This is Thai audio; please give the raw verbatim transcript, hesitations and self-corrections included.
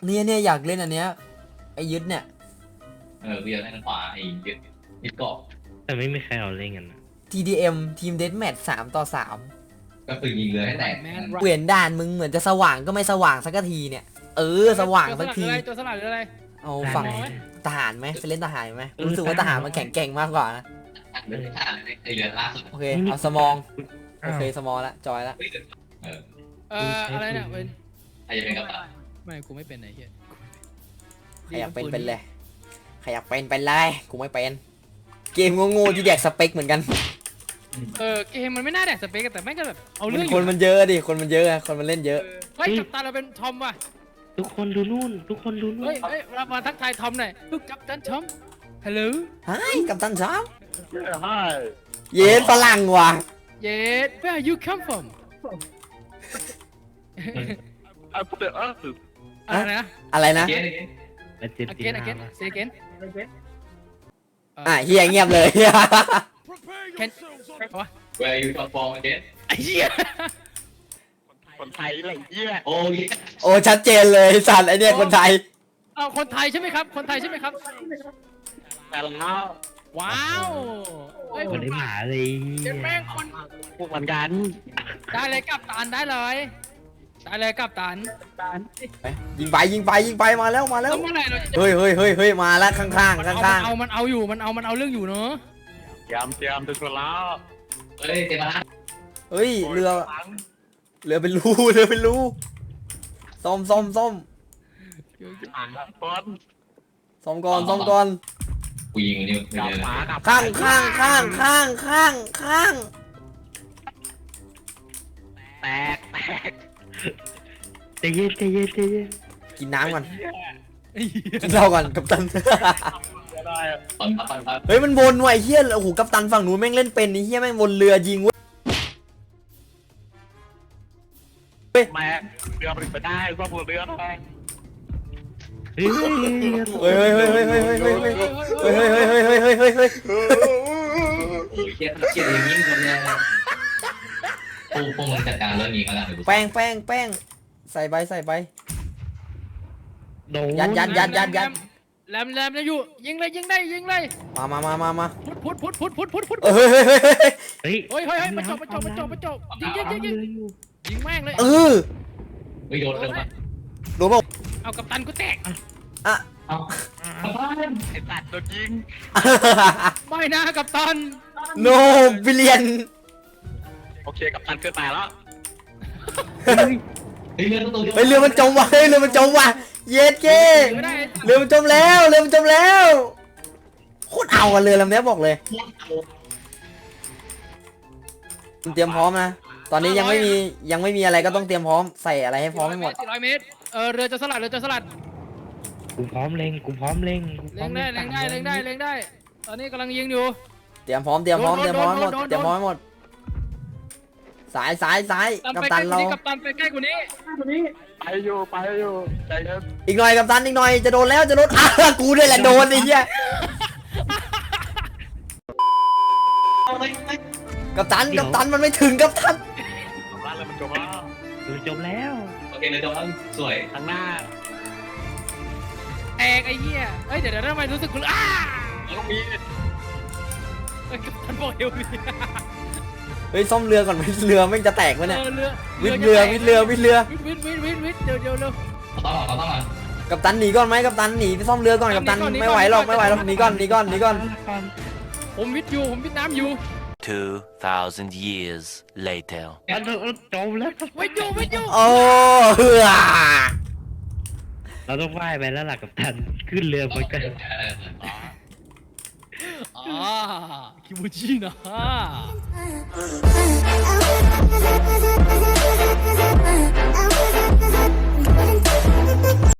เนี่ยเนี่ยอยากเล่นอันเนี้ยไอ้ยึดเนี่ยเออเบียร์ทางขวาไอ้ยึดยึดเกาะแต่ไม่มีใครเอาเล่นกันนะที ดี เอ็ม ทีมเดธแมทสามต่อสามก็คือยิงเรือให้แตกเปลี่ยนด่านมึงเหมือนจะสว่างก็ไม่สว่างสักทีเนี่ยเออสว่างสักทีตัวสลัดหรืออะไรเอาฝั่งทหารไหมไปเล่นทหารไหมรู้สึกว่าทหารมันแข็งแกร่งมากกว่านะเรือท่าไอ้เรือล่าสุดโอเคเอาสมองโอเคสมองละจอยละเออเอ่ออะไรเนี่ยเป็นใครจะเป็นกัปตันไม่กูไม่เป็นไอ้เหี้ยใครอยากเป็นเป็นเลยใครอยากเป็นเป็นเลยกูไม่เป็นเกมโง่ๆที่แดกสเปคเหมือนกันเออเกมมันไม่น่าแดกสเปกแต่แม่งก็แบบเอาเรื่องคนมันเยอะดิคนมันเยอะอะคนมันเล่นเยอะเฮ้ยกัปตันเราเป็นทอมว่ะทุกคนดูนู่น ทุกคนดูนู่นเฮ้ยเฮ้ยเรามาทักทายทอมหน่อยลูกกัปตันทอมฮัลโหลไอ้กัปตันช้า Hi. เย็นฝรั่งว่ะเย็ด where you come from I put the earth. อะไรนะอะไรนะเกนและเจ็ดตี again นา again say again อ่ะเฮียเงียบเลย can วะแวร์ยูท็อปฟอร์มเกนไอ้เหี้ยคนไทยอะไรเงี้ยโอ้ยโอ้ชัดเจนเลยสัตว์ไอเนี่ยคนไทยเอาคนไทยใช่ไหมครับคนไทยใช่ไหมครับแต่แล้วว้าวเฮ้ยคนได้หมาเลยเจ็ดแม่งคนพวกเหมือนกันได้เลยกัปตันได้เลยได้เลยกัปตันยิงไปยิงไปยิงไปมาแล้วมาแล้วแล้วเมื่อไหร่เราจะเฮ้ยเฮ้ยเฮ้ยเฮ้ยมาแล้วข้างข้างข้างข้างเอามันเอาอยู่มันเอามันเอาเรื่องอยู่เนอะเตรียมเตรียมถึงแล้วเฮ้ยเต็มแล้วเฮ้ยเรือเรือเป็นรูเรือเป็นรูซ่อมซ่อมซ่อมอ่างบอลซ่อมก่อนซ่อมก่อนกูยิงนี่กับเลยหมากับข้างข้างข้างข้างข้างข้างแตกแตกใจเย็นใจเย็นใจเย็นกินน้ำก่อนกินเหล้าก่อนกัปตันได้ตอนพับตอนพับเฮ้ยมันวนว่ะไอ้เฮียโอ้โหกัปตันฝั่งนู้นแม่งเล่นเป็นไอ้เฮียแม่งวนเรือยิงเว้ยแม่เรือมันไปได้ซ่อมเรือได้เฮ้ยเฮ้ยเฮ้ยเฮ้ยเฮ้ยเฮ้ยเฮ้ยเฮ้ยเฮ้ยเฮ้ยเฮ้ยเฮ้ยเฮ้ยเฮ้ยเฮ้ยเฮ้ยโอ้ยเกียร์เกียร์อย่างนี้คนเนี่ยพวกพวกมึงจัดการเรื่องนี้ก็แล้วแป้งแป้งแป้งใส่ใบใส่ใบโดนยัดยัดยัดยัดยัดแหลมแหลมนะอยู่ยิงเลยยิงได้ยิงเลยมามามามามาพุดพุดพุดพุดพุดพุดพุดเฮ้ยเฮ้ยเฮ้ยเฮ้ยเฮ้ยเฮ้ยเฮ้ยเฮ้ยมาจบมาจบมาจบมาจบยิงยิงยิงยิงยิงแม่งเลยเออเฮ้ยโดนเร็วมากโดนเปล่าเอากัปตันกูแตกอ่ะเอาเอาบ้านไอ้ตัดโดนยิงไม่นะกัปตันโนบิเลียนโอเคกับตันเกินตายแล้วเฮ้ยเรือตัวเดียวเฮ้ยเรือมันจมว่ะเฮ้ยเรือมันจมว่ะเย็ดเก้ไม่ได้เรือมันจมแล้วเรือมันจมแล้วโคตรเอาอะเรือลำนี้บอกเลยเตรียมพร้อมนะตอนนี้ยังไม่มียังไม่มีอะไรก็ต้องเตรียมพร้อมใส่อะไรให้พร้อมให้หมดสี่ร้อยเมตรเออเรือจะสลัดเรือจะสลัดกูพร้อมเล็งกูพร้อมเล็งกูพร้เล็อง มได้เล็งได้เล็งได้เล็งได้ ตอนนี้กำลังยิงอยู่เตรียมพร้อมเตรียมพร้อมเตรียมพร้อมให้หมดโดนโดนโดนเตรียมพร้อมให้หมดสายสายสายกักัปปตัตันนเราเรากัปตันไปใกล้กว่านี้ไปอยู่ไปอยู่ใจเย็นอีกหน่อยกัปตันอีกหน่อยจะโดนแล้วจะโดนอ่ะกูด้วยแหละโดนไอ้เหี้ยกัปตันกัปตันมันไม่ถึงกัปตันร้านเลยมันจบแล้วดูจบแล้วโอเคเลยจบแล้วสวยทางหน้าแตกไอ้เหี้ยเอ้ยเดี๋ยวเดี๋ยวทำไมรู้สึกกูอ้าแล้วมีเอ้ยกัปตันบอกเอวมีเฮ้ยซ่อมเรือก่อนเรือแม่งจะแตกวะเนี่ยเออเรือวิดเรือวิดเรือวิดเรือวิดวิดวิดวิดวิดเดี๋ยวเดี๋ยวเร็วเขาต้องเขาต้องมากัปตันหนีก่อนไหมกัปตันหนีไปซ่อมเรือก่อนกัปตันหนีก่อนหนีก่อนไม่ไหวหรอกไม่ไหวหรอกหนีก่อนหนีก่อนหนีก่อนผมวิดอยู่ผมวิดน้ำอยู่ Two thousand years later. อันนั้นจบแล้ววิดอยู่วิดอยู่โอ้เฮือเราต้องว่ายไปแล้วล่ะกับตันขึ้นเรือไปกันอ่าคิมูจินะ Ah, ah, ah, ah, ah, ah, ah, ah, ah,